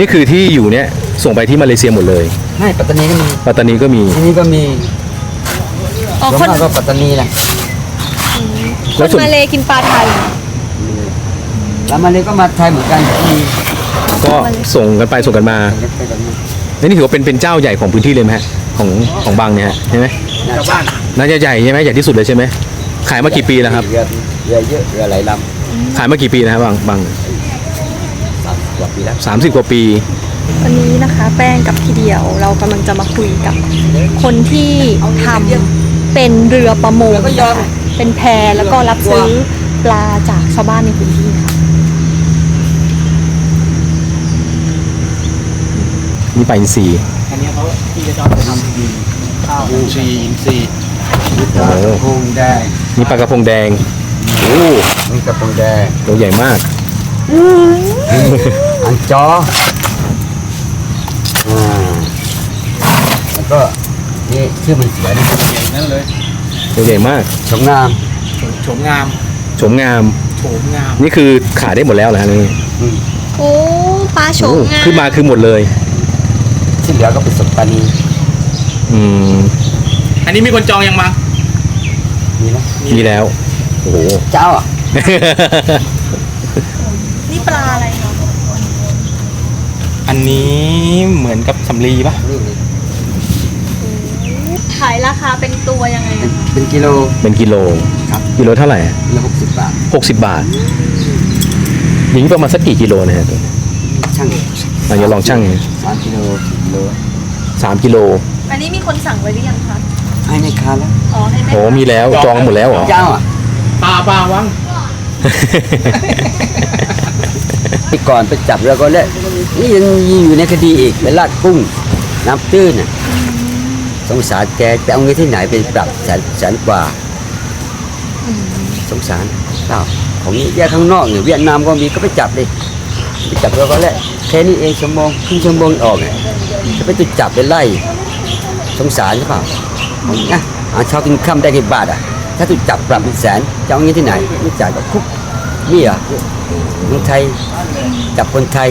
นี่คือที่อยู่เนี่ยส่งไปที่มาเลเซียหมดเลยไม่ปัตตานีก็มีปัตตานีก็มีที่นี่ก็มีอ๋อส่วนคนมากก็ปัตตานีแหละแล้วส่วนมาเลกินปลาไทยแล้วมาเลยก็มาไทยเหมือนกันมีก็ส่งกันไปส่งกันมาไปกันมาแล้วนี่ถือว่าเป็นเจ้าใหญ่ของพื้นที่เลยไหมฮะของบางเนี่ยฮะใช่ไหมชาวบ้านน่าจะใหญ่ใช่ไหมใหญ่ที่สุดเลยใช่ไหมขายมากี่ปีแล้วครับเรือเยอะเรือหลายลขายมากี่ปีนะครับบางำ30 กว่าปีแล้ว 30 กว่าปีวันนี้นะคะแป้งกับพี่เดียวเรากำลังจะมาคุยกับคนที่ทำเป็นเรือประมงนะคะเป็นแพแล้วก็รับซื้อปลาจากชาวบ้านในพื้นที่ค่ะนี่ปลาอินทรีอันนี้เขาที่จะชอบทำข้าวอินทรีย์อินทรีย์ปลากระพงแดงนี่ปลากระพงแดงโอ้นี่กระพงแดงตัวใหญ่มากอันจอแล้วก็นี่ชื่อมันสวยนะใหญ่นั่นเลยตัวใหญ่มากสงงามโฉมงามโฉมงามโฉมงามนี่คือขายได้หมดแล้วเหรอฮะนี่อืมโอ้ปลาโฉโอ้มงามคือมาคือหมดเลยที่เหลือก็เป็นสมปานีอืมอันนี้มีคนจองยังมามีไหมมีแล้วโอ้โหเจ้าอ่ะนี่ปลาอะไรเนาะอันนี้เหมือนกับสำลีป่ะนี่ขายราคาเป็นตัวยังไงเป็นกิโลเป็นกิโลครับกิโลเท่าไหร่กิโล60 บาท 60 บาทอย่างนี้ประมาณสักกี่กิโลนะฮะช่างเราจะลองชั่ง 3 กิโล4 กิโล 3 กิโลอันนี้มีคนสั่งไว้หรือยังคะให้ในคาแล้วอ๋อให้แม่โอ้มีแล้วจองหมดแล้วเหรอเจ้าอ่ะปลาวังที่ก่อนไปจับเรือก็แล้วนี่ยังอยู่ในคดีอีกไปลากกุ้งน้ำตื้นน่ะสงสารแกจะเอาเงินที่ไหนไปปรับแสนกว่าสงสารเปล่าของนี้แยกข้างนอกเนี่ยเวียดนามก็มีก็ไปจับดิไปจับเรือก็แล้วแค่นี้เองชั่วโมงครึ่งชั่วโมงออกเนี่ยจะไปตุจับไปไล่สงสารใช่เปล่านะเอาเช้ากินค่ำได้กี่บาทอ่ะถ้าตุจับปรับเป็นแสนจะเอาเงินที่ไหนไม่จ่ายก็คุกนี่อ่ะเมืองไทยจับคนไทย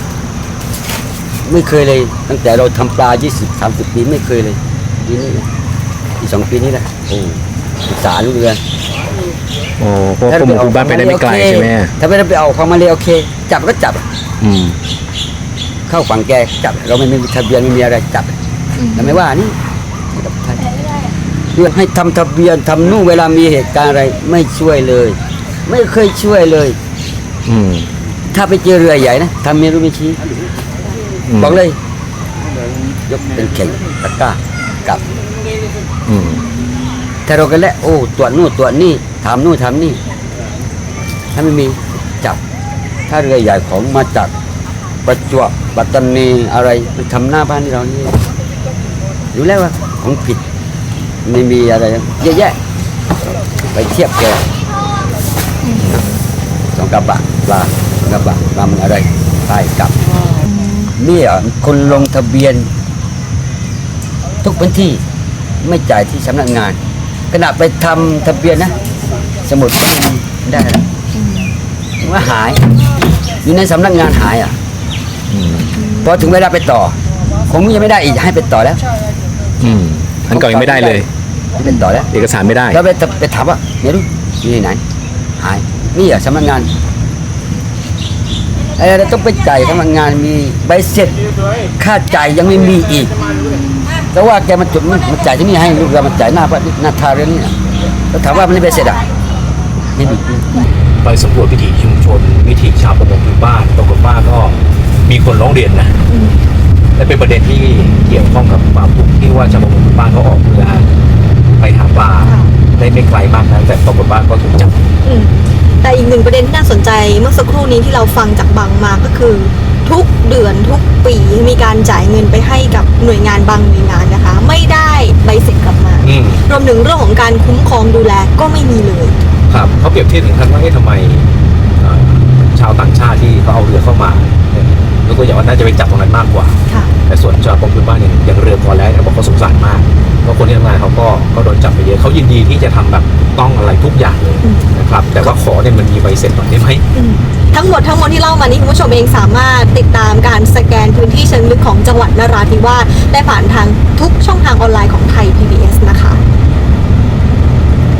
ไม่เคยเลยตั้งแต่เราทำปลา20-30 ปีไม่เคยเลยปีนี้อีก2 ปีนี้แหละโอ้ศึกษาลูกเรือโอ้เพราะว่าผมอยู่บ้านไปได้ไม่ไกลใช่ไหมถ้าไม่ได้ไปเอาของมาเลยโอเค จับก็จับอืมเข้าฝั่งแกจับ เราไม่มีทะเบียนไม่มีอะไรจับแต่ไม่ว่านี่กับไทยเพื่อให้ทำทะเบียนทำนู่นเวลามีเหตุการณ์อะไรไม่ช่วยเลย ไม่เคยช่วยเลยอืมถ้าไปเจอเรือใหญ่นะทำเมียรู้ไม่ชี้มบอกเลย ยกเป็นเข่งตะกร้ากับอืมถ้าเรากันแล้วโอ้ตรวจนู่นตรวจนี่ถามนู่นถามนี่ถ้าไม่มีจับ ถ้าเรือใหญ่ของมาจากประจวบปัตตานีอะไรมันทำหน้าบ้านที่เรานี่รู้แล้วว่าของผิดไม่มีอะไรเยอะแยะไปเทียบแกสองกระบะปลาสองกระบะลำอะไรไปกลับนี่อ่ะคนลงทะเบียน ทุกพื้นที่ไม่จ่ายที่สำนักงานขณะไปทำทะเบียนนะ สมุดก็ไม่มีได้แล้วว่าหาย อยู่ในสำนักงานหายอ่ะอืมพอถึงเวลาไปต่อ คงยังไม่ได้อีกให้ไปต่อแล้วอืมอันเก่ายังไม่ได้เลยเป็นต่อแล้วเอกสารไม่ได้แล้วไปถามว่าเดี๋ยวดูอยู่ที่ไหน หายนี่อ่ะสำนักงานเราต้องไปจ่ายสำนักงานมีใบเสร็จค่าจ่ายยังไม่มีอีกแต่ว่าแกมาจุดมันจ่ายที่นี่ให้ลูกเรามาจ่ายหน้าทาเรื่องนี้นะแล้วถามว่ามันไม่ใบเสร็จอ่ะไม่มีไปสำรวจวิถีชุมชนวิถีชาวประมงพื้นบ้านปรากฏว่าก็มีคนร้องเรียนนะและเป็นประเด็นที่เกี่ยวข้องกับความทุกข์ที่ว่าชาวประมงพื้นบ้านเขาออกเรือไปหาปลาได้ไม่ไกลมากนะแต่ปรากฏว่าก็ถูกจับแต่อีกหนึ่งประเด็นที่น่าสนใจเมื่อสักครู่นี้ที่เราฟังจากบางมาก็คือ ทุกเดือนทุกปีมีการจ่ายเงินไปให้กับหน่วยงานบางหน่วยงานนะคะ ไม่ได้ใบเสร็จกลับมาอืมรวมถึงเรื่องของการคุ้มครองดูแลก็ไม่มีเลยครับเขาเปรียบเทียบถึงขั้นว่าทำไมชาวต่างชาติที่เขาเอาเรือเข้ามาเนี่ยยกตัวอย่างว่าน่าจะไปจับตรงนั้นมากกว่าค่ะแต่ส่วนชาวประมงพื้นบ้านเนี่ยอย่างเรือพอแล้วเขาบอกเขาสงสารมากก็คนที่ทำงานเขาก็โดนจับไปเยอะเขายินดีที่จะทำแบบต้องอะไรทุกอย่างเลยนะครับแต่ว่าขอเนี่ยมันมีใบเสร็จหน่อยได้ไหมทั้งหมดที่เล่ามานี้คุณผู้ชมเองสามารถติดตามการสแกนพื้นที่เชิงลึกของจังหวัดนราธิวาสได้ผ่านทางทุกช่องทางออนไลน์ของไทย PBS